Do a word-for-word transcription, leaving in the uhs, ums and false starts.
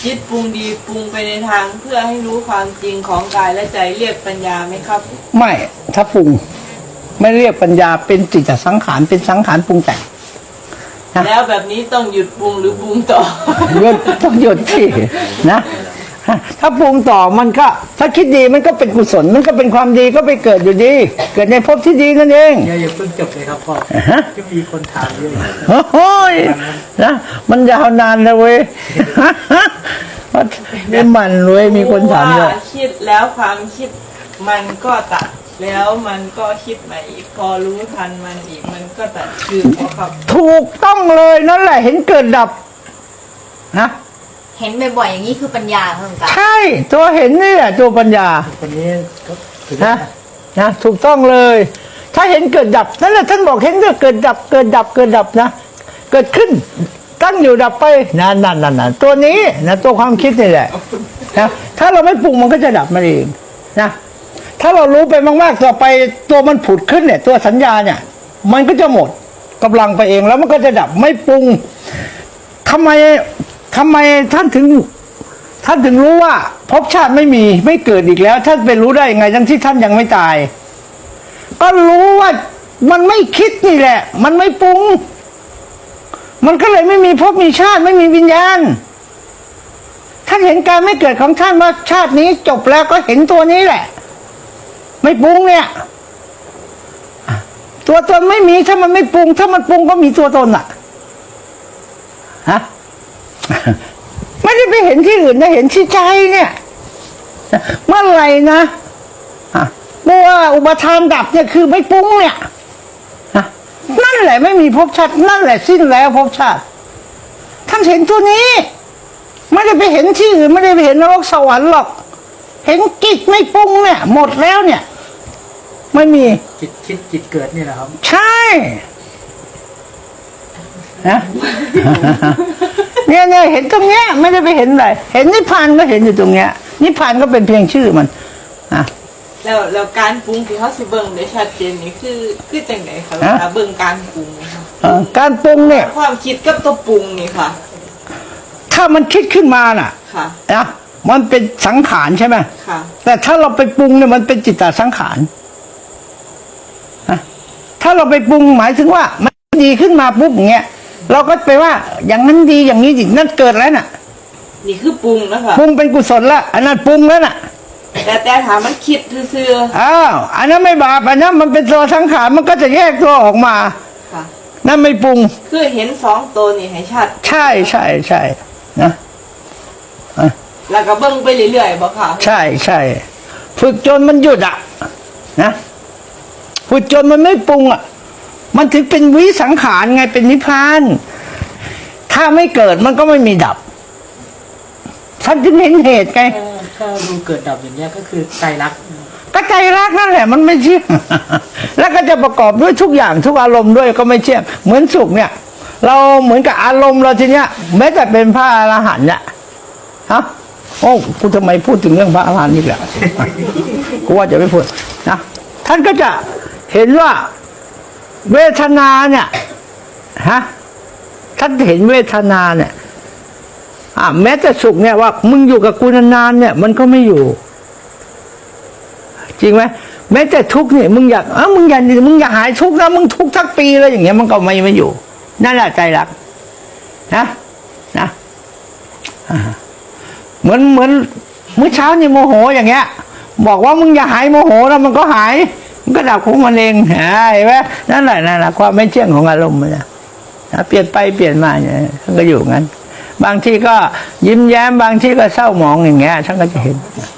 จิตปรุงดีปรุงไปในทางเพื่อให้รู้ความจริงของกายและใจเรียกปัญญาไหมครับไม่ถ้าปรุงไม่เรียกปัญญาเป็นจิตสังขารเป็นสังขารปรุงแต่งแล้วแบบนี้ต้องหยุดปรุงหรือปรุงต่อหยุดต้องหยุดที่นะถ้าปรุงต่อมันก็ถ้าคิดดีมันก็เป็นกุศลมันก็เป็นความดีก็ไปเกิดอยู่ดีเกิดในภพที่ดีนั่นเองอย่าอย่าเพิ่งจบเลยครับพ่อจะมีคนถามเยอะโอ้ยนะมันยาวนานนะเว้ยนี่มันเว้ยมีคนถามเยอะคิดแล้วความคิดมันก็ตัดแล้วมันก็คิดใหม่อีกพอรู้ทันมันอีกมันก็ตัดคือพอครับถูกต้องเลยนั่นแหละเห็นเกิดดับนะเห็นบ่อยๆอย่างนี้คือปัญญาเพิ่มกันใช่ตัวเห็นนี่แหละตัวปัญญาคนนี้นะนะถูกต้องเลยถ้าเห็นเกิดดับนั่นแหละท่านบอกเห็นเกิดดับเกิดดับเกิดดับนะเกิดขึ้นตั้งอยู่ดับไปนั่นนั่นนั่นตัวนี้นะตัวความคิดนี่แหละนะถ้าเราไม่ปรุงมันก็จะดับมันเองนะถ้าเรารู้ไปมากๆต่อไปตัวมันผุดขึ้นเนี่ยตัวสัญญาเนี่ยมันก็จะหมดกำลังไปเองแล้วมันก็จะดับไม่ปรุงทำไมทำไมท่านถึงท่านถึงรู้ว่าภพชาติไม่มีไม่เกิดอีกแล้วท่านไปรู้ได้ยังไงทั้งที่ท่านยังไม่ตายก็รู้ว่ามันไม่คิดนี่แหละมันไม่ปรุงมันก็เลยไม่มีภพมีชาติไม่มีวิญญาณท่านเห็นการไม่เกิดของท่านว่าชาตินี้จบแล้วก็เห็นตัวนี้แหละไม่ปรุงเนี่ยตัวตนไม่มีถ้ามันไม่ปรุงถ้ามันปรุงก็มีตัวตนอ่ะฮะไม่ได้ไปเห็นที่อื่นนะเห็นที่ใจเนี่ยเมื่อไหร่นะเมื่ออุปทานดับเนี่ยคือไม่ปรุงเนี่ยนั่นแหละไม่มีภพชาตินั่นแหละสิ้นแล้วภพชาติท่านเห็นตัวนี้ไม่ได้ไปเห็นที่อื่นไม่ได้ไปเห็นนรกสวรรค์หรอกเห็นจิตไม่ปรุงเนี่ยหมดแล้วเนี่ยไม่มีจิตคิดจิตเกิดนี่แหละครับใช่นะเนี่ยเนี่ยเห็นตรงเนี้ยไม่ได้ไปเห็นอะไรเห็นนิพพานก็เห็นอยู่ตรงเนี้ยนิพพานก็เป็นเพียงชื่อมันอ่ะแล้วแล้วการปรุงที่เขาสิเบิ่งได้ชัดเจนนี่คือคือจังไหนคะเวลาเบิ่งการปรุงการปรุงเนี่ยความคิดกับตัวปรุงนี่ค่ะถ้ามันคิดขึ้นมาน่ะค่ะนะมันเป็นสังขารใช่ไหมค่ะแต่ถ้าเราไปปรุงเนี่ยมันเป็นจิตตสังขารนะถ้าเราไปปรุงหมายถึงว่ามันดีขึ้นมาปุ๊บอย่างเงี้ยเราก็ไปว่าอย่างนั้นดีอย่างนี้ดีนั่นเกิดแล้วน่ะนี่คือปรุงนะคะปรุงเป็นกุศลละอันนั้นปรุงแล้วน่ะแต่แต่ถามมันคิดซื่ออ้าวอันนั้นไม่บาปอันนั้นมันเป็นตัวสังขารมันก็จะแยกตัวออกมาค่ะนั่นไม่ปรุงคือเห็นสองตัวนี่ให้ชัดใช่ใช่ใช่นะแล้วก็เบิ่งไปเรื่อยๆบ่ค่ะใช่ใช่ฝึกจนมันหยุดอ่ะนะฝึกจนมันไม่ปรุงอ่ะมันถึงเป็นวิสังขารไงเป็นนิพพานถ้าไม่เกิดมันก็ไม่มีดับท่านจึงเห็นเหตุไงถ้าดูเกิดดับอย่างเงี้ยก็คือใจรักก็ใจรักนั่นแหละมันไม่เชื่อแล้วก็จะประกอบด้วยทุกอย่างทุกอารมณ์ด้วยก็ไม่เชื่อเหมือนสุขเนี่ยเราเหมือนกับอารมณ์เราทีเนี้ยแม้แต่เป็นพระอรหันต์เนี่ยฮะโอ้กูทำไมพูดถึงเรื่องพระอรหันต์นี่แหละกูว่าจะไม่พูดนะท่านก็จะเห็นว่าเวทนาเนี่ยฮะท่านเห็นเวทนาเนี่ยอ่าแม้แต่สุขเนี่ยว่ามึงอยู่กับกูนานๆเนี่ยมันก็ไม่อยู่จริงไหมแม้แต่ทุกข์เนี่ยมึงอยากเออมึงอยากมึงอยากหายทุกข์นะมึงทุกข์ทั้งปีเลยอย่างเงี้ยมันก็ไม่ไม่อยู่นั่นแหละใจรักนะนะเหมือนเหมือนเมื่อเช้านี่โมโหอย่างเงี้ยบอกว่ามึงอย่าหายโมโหแล้วมันก็หายมันก็ดับของมันเองเห็นไหมนั่นแหละนั่นแหละความไม่เที่ยงของอารมณ์มันนะเปลี่ยนไปเปลี่ยนมาเนี่ยท่านก็อยู่งั้นบางทีก็ยิ้มแย้มบางทีก็เศร้าหมองอย่างเงี้ยท่านก็จะเห็น